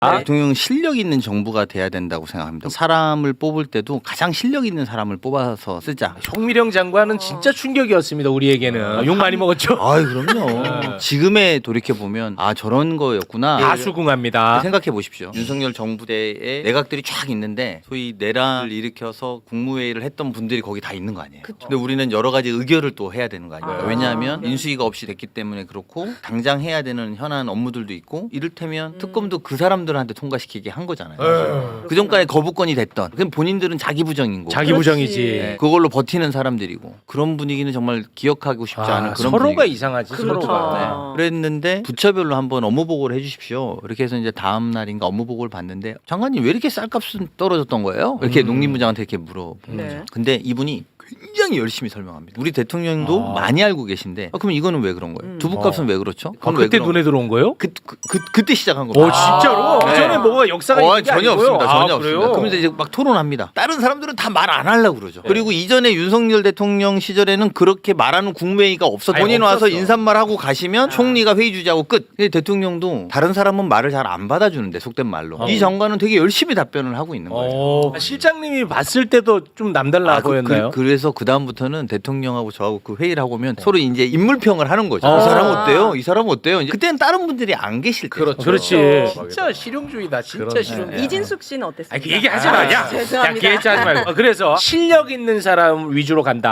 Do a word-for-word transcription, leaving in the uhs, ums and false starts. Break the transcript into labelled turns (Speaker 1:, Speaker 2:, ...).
Speaker 1: 아?
Speaker 2: 대통령 실력 있는 정부가 돼야 된다고 생각합니다. 사람을 뽑을 때도 가장 실력 있는 사람을 뽑아서 쓰자.
Speaker 1: 총미령 장관은 진짜 충격이었습니다. 우리에게는 욕 많이 먹었죠.
Speaker 2: 아이 그럼요. 지금에 돌이켜 보면 아 저런 거였구나.
Speaker 1: 다 수긍합니다.
Speaker 2: 생각해 보십시오. 윤석열 정부 때에 내각들이 쫙 있는데 소위 내란을 일으켜서 국무회의를 했던 분들이 거기 다 있는 거 아니에요.
Speaker 3: 그쵸.
Speaker 2: 근데 우리는 여러 가지 의결을 또 해야 되는 거 아니에요.
Speaker 3: 아.
Speaker 2: 왜냐하면
Speaker 3: 네.
Speaker 2: 인수위가 없이 됐기 때문에 그렇고 당장 해야 되는 현안 업무들도 있고 이를테면 특검도 그 사람들한테 통과시키게 한 거잖아요.
Speaker 1: 에휴.
Speaker 2: 그 전까지 거부권이 됐던. 그럼 본인들은 자기 부정인 거고.
Speaker 1: 자기 부정이지.
Speaker 2: 네, 그걸로 버티는 사람들이고 그런 분위기는 정말 기억하고 싶지
Speaker 1: 아,
Speaker 2: 않은 그런
Speaker 1: 서로가
Speaker 2: 분위기.
Speaker 1: 이상하지.
Speaker 3: 그렇죠.
Speaker 1: 서로가.
Speaker 2: 네. 그랬는데 부처별로 한번 업무 보고를 해주십시오. 이렇게 해서 이제 다음 날인가 업무 보고를 봤는데 장관님 왜 이렇게 쌀값은 떨어졌던 거예요? 이렇게
Speaker 1: 음.
Speaker 2: 농림부장한테 이렇게 물어본
Speaker 3: 네.
Speaker 2: 거죠. 근데 이분이 굉장히 열심히 설명합니다. 우리 대통령도
Speaker 1: 아.
Speaker 2: 많이 알고 계신데 아, 그럼 이거는 왜 그런 거예요?
Speaker 3: 음.
Speaker 2: 두부값은
Speaker 1: 어.
Speaker 2: 왜 그렇죠?
Speaker 1: 아,
Speaker 2: 그건 왜
Speaker 1: 그때
Speaker 2: 그런
Speaker 1: 눈에 들어온 거예요?
Speaker 2: 그, 그, 그, 그때 시작한
Speaker 1: 오
Speaker 2: 겁니다.
Speaker 1: 진짜로?
Speaker 2: 네.
Speaker 1: 그 전에 뭐가 역사가
Speaker 2: 어,
Speaker 1: 있는 게
Speaker 2: 전혀
Speaker 1: 아니고요?
Speaker 2: 없습니다.
Speaker 1: 아,
Speaker 2: 전혀 없습니다.
Speaker 1: 그래요?
Speaker 2: 그러면서 이제 막 토론합니다. 다른 사람들은 다 말 안 하려고 그러죠.
Speaker 1: 네.
Speaker 2: 그리고 이전에 윤석열 대통령 시절에는 그렇게 말하는 국무회의가 없어.
Speaker 1: 아니,
Speaker 2: 본인 와서
Speaker 1: 없었어.
Speaker 2: 인사말 하고 가시면 총리가 회의 주재하고 끝. 근데 대통령도 다른 사람은 말을 잘 안 받아주는데 속된 말로.
Speaker 1: 어.
Speaker 2: 이 장관은 되게 열심히 답변을 하고 있는 거예요.
Speaker 1: 어, 실장님이 봤을 때도 좀 남달라
Speaker 2: 아, 그,
Speaker 1: 보였나요?
Speaker 2: 그, 그래서 그 다음부터는 대통령하고 저하고 그 회의를 하고 오면 서로 이제 인물평을 하는 거죠.
Speaker 1: 어.
Speaker 2: 이 사람 어때요? 이 사람 어때요? 이제 그때는 다른 분들이 안 계실 때.
Speaker 1: 그렇죠. 그렇지.
Speaker 3: 그렇죠.
Speaker 1: 진짜 실용주의다. 진짜
Speaker 2: 그러네.
Speaker 1: 실용주의.
Speaker 3: 이진숙 씨는 어땠습니까?
Speaker 1: 아니 그 얘기 하지 마. 야, 야,
Speaker 3: 죄송합니다.
Speaker 1: 그 얘기 하지 말고. 어, 그래서 실력 있는 사람 위주로 간다.